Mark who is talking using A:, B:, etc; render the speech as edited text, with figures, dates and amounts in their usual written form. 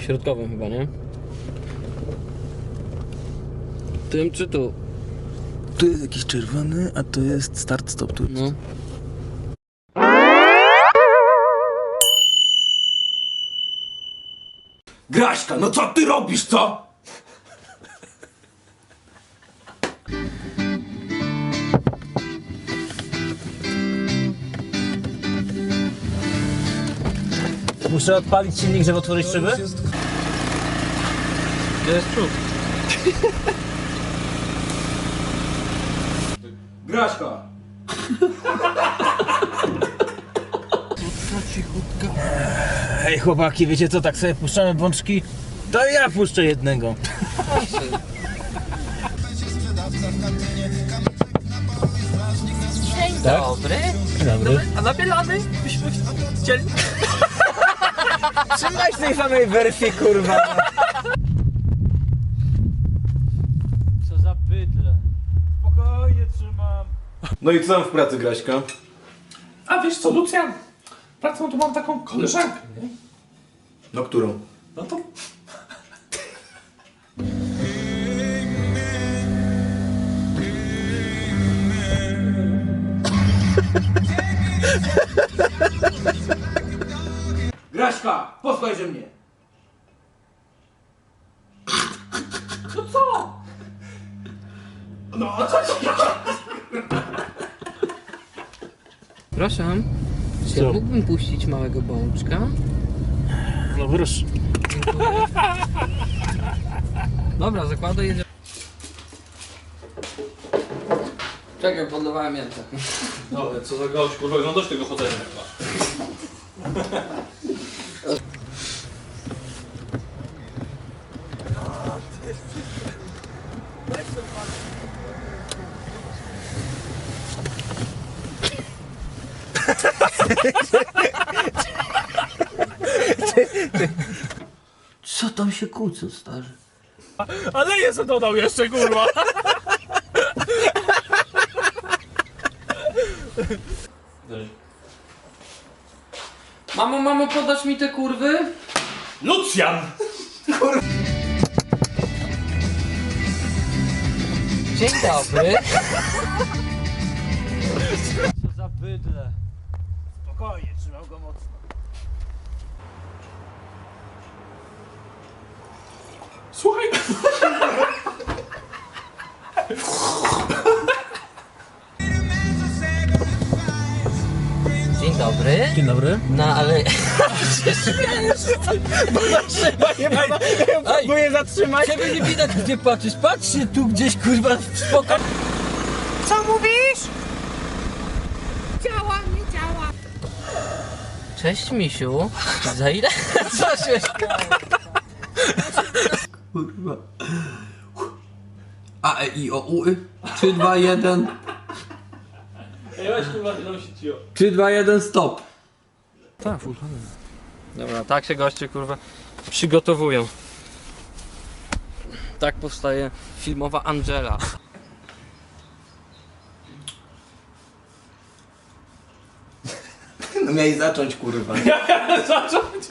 A: środkowym chyba, nie? Tym czy tu?
B: Tu jest jakiś czerwony, a to jest start-stop tu.
A: No.
B: Graśka, no co ty robisz, co?
C: Muszę odpalić silnik, żeby otworzyć szyby?
A: Gdzie jest przód?
B: Graśka!
C: Hej chłopaki, wiecie co, tak sobie puszczamy bączki? To ja puszczę jednego.
A: Dzień
C: Tak?
A: dobry.
C: Dobry.
A: A nabielany byśmy chcieli.
C: Trzymaj tej samej wersji, kurwa. Co za bydle. Spokojnie trzymam.
B: No i co tam w pracy, Graśka?
D: A wiesz co, Lucjan? Pracą tu mam taką koleżankę, nie?
B: No którą?
D: No to...
B: Graśka, posłuchajże mnie!
D: No co? No a co ci?
A: Proszę. Czy
C: Co?
A: ja mógłbym puścić małego bączka?
C: No proszę.
A: Dobra, zakładaj, jedziemy. Czekaj, podlewałem jęce.
D: Dobra, co za gość, kurwa, no dość tego chodzenia chyba.
A: Co tam się kłócą, stary?
D: Ale jest dodał jeszcze, kurwa.
A: Mamo, podasz mi te kurwy?
D: Lucjan!
A: Dzień dobry.
C: Co za bydle. Spokojnie, trzymam go mocno.
D: Słuchaj.
A: Dzień dobry.
C: Dzień dobry.
A: No ale...
C: Próbuję zatrzymać.
A: Ciebie nie widać, gdzie patrzysz. Patrz się tu gdzieś, kurwa, spokojnie.
E: Co mówisz? Działa, nie działa.
A: Cześć, misiu. Za ile? Co się
F: Kurwa. A, E, I, O, U, 3, 2, 1.
D: Ej, weź kurwa, nie się cio.
F: 3, 2, 1, stop.
A: Tak, dobra, tak się goście, kurwa, przygotowują. Tak powstaje filmowa Angela.
B: No miałeś zacząć, kurwa.
D: Zacząć.